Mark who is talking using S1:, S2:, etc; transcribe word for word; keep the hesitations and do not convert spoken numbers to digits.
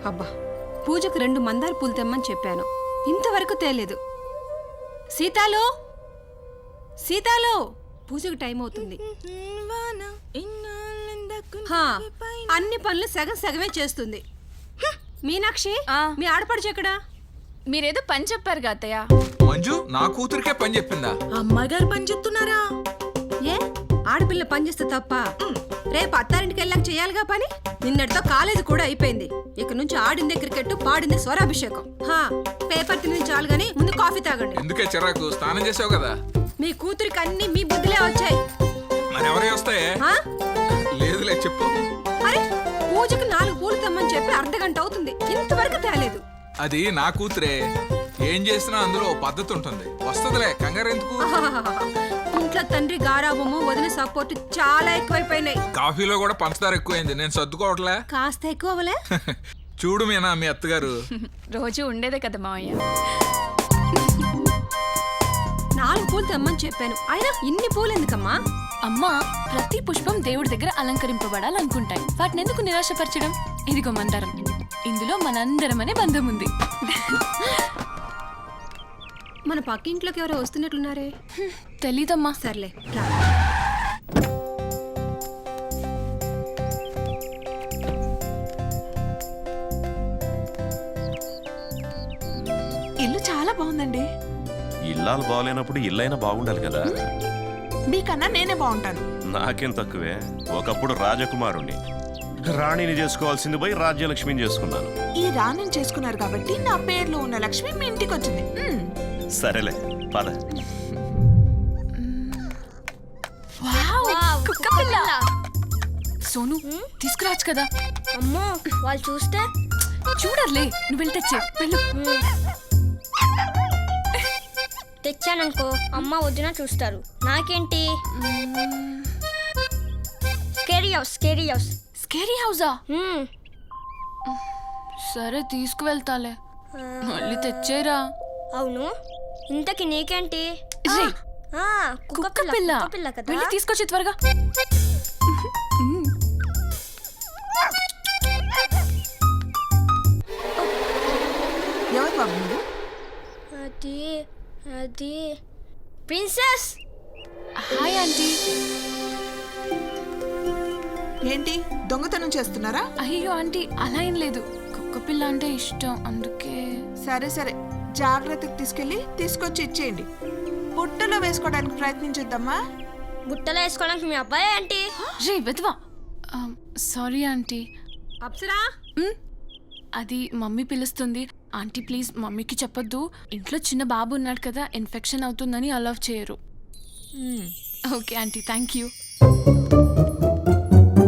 S1: అబ్బా, పూజకు రెండు మందార పూలు తెమ్మని చెప్పాను, ఇంతవరకు తేలేదు. సీతాలో సీతాలో పూజకు టైం అవుతుంది. హా, అన్ని పనులు సగం సగమే చేస్తుంది. మీనాక్షి, మీ ఆడపడుచు ఎక్కడా?
S2: మీరేదో పని చెప్పారు గా అత్తయ్య.
S3: మంజు నా కూతురికే పని చెప్పిందా?
S4: అమ్మాయి గారు పని చెప్తున్నారా?
S1: ఏ ఆడపిల్ల పని చేస్తే తప్ప? రేపు అత్తారింటికి వెళ్ళాక చేయాలిగా పని. నిన్నటితో కాలేజీ కూడా అయిపోయింది. ఇక నుంచి ఆడిందే క్రికెట్, పాడిందే స్వరాభిషేకం. హా, పేపర్ తిని చాలు గానీ ముందు కాఫీ తాగండి.
S3: ఎందుకే చిరాకు? స్నానం చేసావు కదా.
S1: మీ కూతురికి అన్ని మీ బుద్ధిలే వచ్చాయి.
S3: మరి ఎవరే వస్తాయే? లేదులే, చెప్పు.
S1: అరే, పూజకు నాలుగు పూలు తెమ్మని చెప్పి అర్ధ గంట అవుతుంది, ఇంతవరకు తేలేదు.
S3: అది నా కూతురే. ఏం చేసినా అందులో పద్ధతి ఉంటుంది. వస్తదిలే, కంగారు ఎందుకు?
S1: ఇంట్లో తండ్రి గారాబము, వదిన సపోర్ట్ చాలా ఎక్కువైపోయినాయి.
S3: కాఫీలో కూడా పంచదార ఎక్కువైంది, నేను సర్దుకోవట్లే.
S1: కాస్త ఎక్కువలే.
S3: చూడు మీనా, మీ అత్తగారు
S2: రోజు ఉండేదే కదా మావయ్య.
S1: నాలుగు పూలు తెమ్మని చెప్పాను, అయినా ఇన్ని పూలు ఎందుకమ్మా?
S2: అమ్మా, ప్రతి పుష్పం దేవుడి దగ్గర అలంకరింపబడాలనుకుంటాయి. వాటిని ఎందుకు నిరాశపరచడం? ఇదిగో మందారం, ఇందులో మనందరం అనే బంధం ఉంది.
S1: మన పక్కింట్లోకి ఎవరో వస్తున్నట్లున్నారే.
S2: తెలీదమ్మా.
S1: సర్లే రా.
S4: ఇల్లు చాలా బాగుందండి.
S5: ఇల్లాలు బాగలేనప్పుడు ఇల్లైనా బాగుండాలి కదా.
S4: మీకన్నా నేనే బాగుంటాను.
S5: నాకేం తక్కువే. ఒకప్పుడు రాజకుమారుణ్ణి, రాణిని చేసుకోవాల్సింది పోయి రాజ్యలక్ష్మిని చేసుకున్నాను.
S4: ఈ రాణిని చేసుకున్నారు కాబట్టి నా పేర్లో ఉన్న లక్ష్మి మీ ఇంటికి వచ్చింది. మ్మ్.
S5: సరేలే, పద.
S2: వావ్, కుక్క పిల్ల. సోను, తీసుకురావచ్చు కదా.
S6: అమ్మో, వాళ్ళు చూస్తే
S2: చూడర్లే, నువ్వు వెళ్ళి తెచ్చే వెళ్ళు.
S6: తెచ్చాననుకో అమ్మ వదిన చూస్తారు. నాకేంటి? Scary house, scary house.
S2: Scary హౌసా?
S6: మ్మ్.
S2: సరే, తీసుకువెళ్తాలే. మళ్ళీ తెచ్చేరా.
S6: అవును, ఇంతకి నీకేంటి?
S2: రే,
S6: ఆ,
S2: కుక్క పిల్ల.
S6: కుక్క పిల్ల కదా.
S2: వెళ్ళి తీసుకొచ్చి త్వరగా.
S4: ఎవరు బాబు మీరు?
S6: అది అది ప్రిన్సెస్.
S2: Hi aunty.
S4: ఏంటి దొంగతనం చేస్తున్నారా?
S2: అయ్యో ఆంటీ, అలా ఏం లేదు. కుక్క పిల్ల అంటే ఇష్టం, అందుకే.
S4: సరే సరే, జాగ్రత్తగా తీసుకెళ్ళి తీసుకొచ్చి ఇచ్చేయండి. బుట్టలో వేసుకోవడానికి ప్రయత్నించొద్దమ్మా.
S6: బుట్టలో వేసుకోవడానికి మీ అబ్బాయి ఏంటి?
S2: రే వెధవా. Sorry aunty.
S1: అప్సరా,
S2: అది మమ్మీ పిలుస్తుంది. ఆంటీ ప్లీజ్ మమ్మీకి చెప్పొద్దు. ఇంట్లో చిన్న బాబు ఉన్నాడు కదా, ఇన్ఫెక్షన్ అవుతుందని అలౌ చేయరు. Okay aunty, thank you.